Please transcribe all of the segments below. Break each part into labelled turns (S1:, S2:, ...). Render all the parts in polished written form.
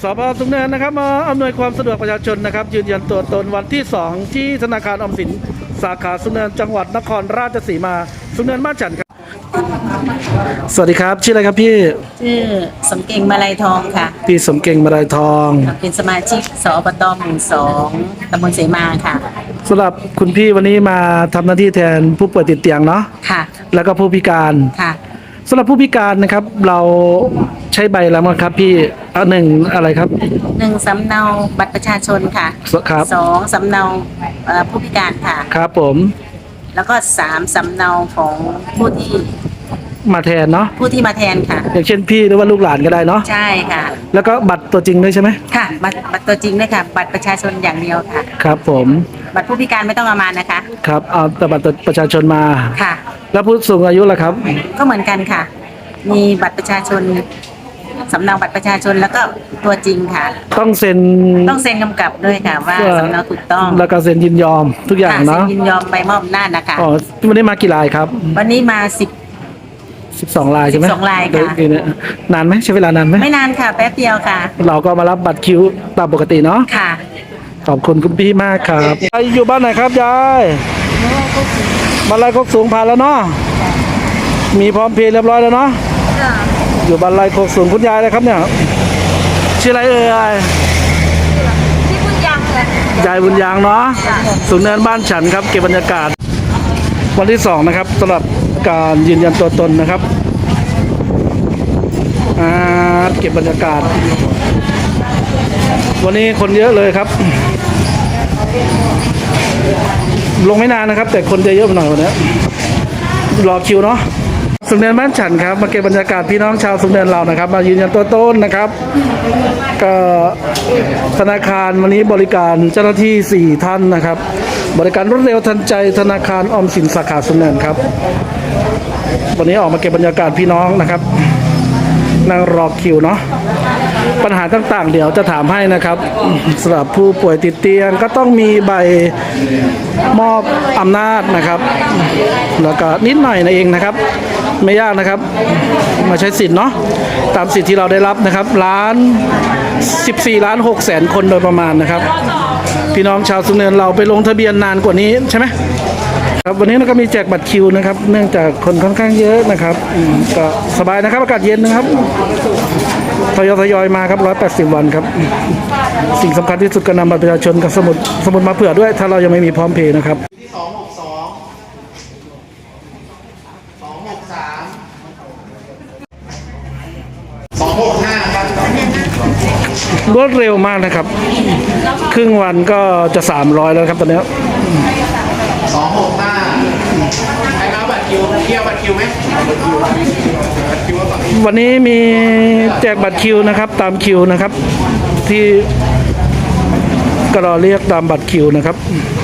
S1: สภ.สูงเนินนะครับมาอำนวยความสะดวกประชาชนนะครับยืนยันตัวตนวันที่2ที่ธนาคารออมสินสาขาสูงเนินจังหวัดนครราชสีมาสูงเนินบ้านฉันครับสวัสดีครับชื่ออะไรครับพี่
S2: ชื่อสมเก่งมาลัยทองค่ะ
S1: พี่สมเก่งมาลัยทอง
S2: เป็นสมาชิกสอบตหมู่2ตำบลเสมาค่ะ
S1: สำหรับคุณพี่วันนี้มาทำหน้าที่แทนผู้ป่วยติดเตียงเนาะ
S2: ค่ะ
S1: แล้วก็ผู้พิการ
S2: ค่ะ
S1: สำหรับผู้พิการนะครับเราใช้ใบแล้วมั้งครับพี่หนึ่งอะไรครับ
S2: 1สำเนาบัตรประชาชนค่ะ
S1: ครับ
S2: 2สำเนาผู้พิการค่ะ
S1: ครับผม
S2: แล้วก็3สำเนาของผู้ที่
S1: มาแทนเนาะ
S2: ผู้ที่มาแทนค่ะ
S1: อย่างเช่นพี่หรือว่าลูกหลานก็ได้เนาะ
S2: ใช่ค่ะ
S1: แล้วก็บัตรตัวจริงด้วยใช่ไหม
S2: ค่ะบัตรตัวจริงด้วยค่ะบัตรประชาชนอย่างเดียวค่ะ
S1: ครับผม
S2: บัตรผู้พิการไม่ต้องเอามานะคะ
S1: ครับเอาแต่บัตรประชาชนมา
S2: ค่ะ
S1: แล้วผู้สูงอายุล่ะครับ
S2: ก็เหมือนกันค่ะมีบัตรประชาชนสำเนาบัตรประชาชนแล้วก็ตัวจริงค่ะ
S1: ต้องเซ็น
S2: กำกับด้วยค่ะว่าสำเนาถูกต้อง
S1: แล้วก็เซ็นยินยอมทุกอย่างเนาะ
S2: เซ็นยินยอมใบมอบอำนาจนะคะ
S1: อ๋อวันนี้มากี่รายครับ
S2: วันนี้มา
S1: 12 รายใช่ไหม
S2: 12 รายค่ะ
S1: นานไหมใช้เวลานานไหม
S2: ไม่นานค่ะแป๊บเดียวค่ะ
S1: เราก็มารับบัตรคิวตามปกติเนาะ
S2: ค่ะ
S1: ขอบคุณคุณพี่มากครับยายอยู่บ้านไหนครับยายบ้านไรโคกสูงผ่านแล้วเนาะมีพร้อมเพย์เรียบร้อยแล้วเนาะอยู่บ้านไรโคกสูงคุณยายเลยครับเนี่ยชื่ออะไรเอ่ย
S2: ที่บุญยังเลย
S1: ยายบุญยังเนาะสูงเนินบ้านฉันครับเก็บบรรยากาศวันที่2นะครับสำหรับการยืนยันตัวตนนะครับเก็บบรรยากาศวันนี้คนเยอะเลยครับลงไม่นานนะครับแต่คนจะเยอะหน่อยวันนี้รอคิวเนาะสูงเนินบ้านฉันครับมาเก็บบรรยากาศพี่น้องชาวสูงเนินเรานะครับมายืนยันตัวตนนะครับก็ธนาคารวันนี้บริการเจ้าหน้าที่4ท่านนะครับบริการรวดเร็วทันใจธนาคารออมสินสาขาสูงเนินครับวันนี้ออกมาเก็บบรรยากาศพี่น้องนะครับนั่งรอคิวเนาะปัญหาต่างๆเดี๋ยวจะถามให้นะครับสำหรับผู้ป่วยติดเตียงก็ต้องมีใบมอบอำนาจนะครับแล้วก็นิดหน่อยนะเองนะครับไม่ยากนะครับมาใช้สิทธิ์เนาะตามสิทธิ์ที่เราได้รับนะครับ14.6 ล้านคนโดยประมาณนะครับพี่น้องชาวสูงเนินเราไปลงทะเบียนนานกว่านี้ใช่ไหมครับวันนี้เราก็มีแจกบัตรคิวนะครับเนื่องจากคนค่อนข้างเยอะนะครับก็สบายนะครับอากาศเย็นนะครับทยอยมาครับ180 วันครับสิ่งสำคัญที่สุดก็นำบัตรประชาชนกับสมุดมาเผื่อด้วยถ้าเรายังไม่มีพร้อมเพย์นะครับ
S3: ที่262 263 265ครับ
S1: รวดเร็วมากนะครับครึ่งวันก็จะ300แล้วครับตอนนี้
S3: 265ใครมาบัตรคิวเที่ยวบัตรคิวไหม
S1: วันนี้มีแจกบัตรคิวนะครับตามคิวนะครับที่ก็รอเรียกตามบัตรคิวนะครับ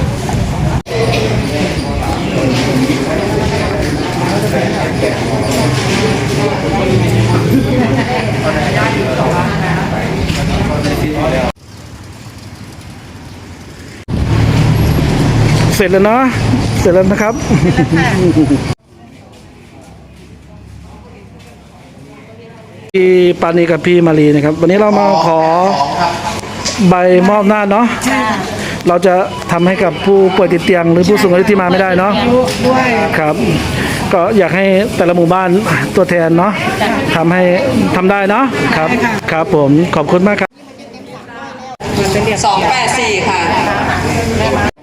S1: เสร็จแล้วเนาะเสร็จแล้วนะครับพี่ปานีกับพี่มารีนะครับวันนี้เรามาขอใบมอบอำนาจเนาะเราจะทำให้กับผู้ป่วยติดเตียงหรือผู้สูงอายุที่มาไม่ได้เนาะครับก็อยากให้แต่ละหมู่บ้านตัวแทนเนาะทำได้เนาะครับครับผมขอบคุณมากครับ
S4: 284 ค่ะ